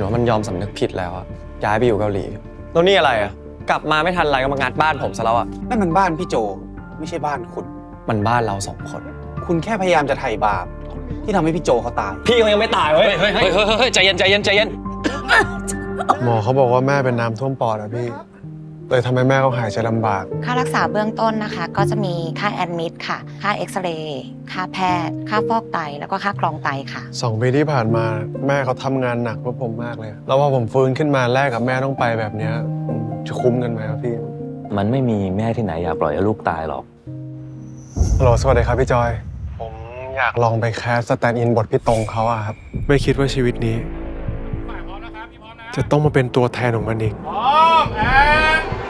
นว่ามันยอมสำนึกผิดแล้วอะย้ายไปอยู่เกาหลีแล้วนี่อะไรอะกลับมาไม่ทันไรก็มางัดบ้านผมซะแล้วอะนั่นมันบ้านพี่โจไม่ใช่บ้านคุณมันบ้านเราสองคนคุณแค่พยายามจะไถ่บาปที่ทำให้พี่โจเขาตายพี่เขายังไม่ตายเว้ยเฮ้ยใจเย็นใจเย็นใจเย็นหมอเขาบอกว่าแม่เป็นน้ำท่วมปอดอะพี่เลยทำให้แม่เขาหายใจลำบากค่ารักษาเบื้องต้นนะคะ ก็จะมีค่าแอดมิดค่ะ ค่าเอ็กซเรย์ค่าแพทย์ ค่าฟอกไตแล้วก็ค่ากรองไตค่ะ 2 ปีที่ผ่านมาแม่เขาทำงานหนักเพื่อผมมากเลย แล้วพอผมฟื้นขึ้นมาแลกกับแม่ต้องไปแบบเนี้ยจะคุ้มกันไหมครับพี่มันไม่มีแม่ที่ไหนอยากปล่อยให้ลูกตายหรอกฮัลโหลสวัสดีครับพี่จอย ผมอยากลองไปแคสสแตนด์อินบทพี่ตรงเขาอะครับไม่คิดว่าชีวิตนี้จะต้องมาเป็นตัวแทนของมันอีกพร้อมแอน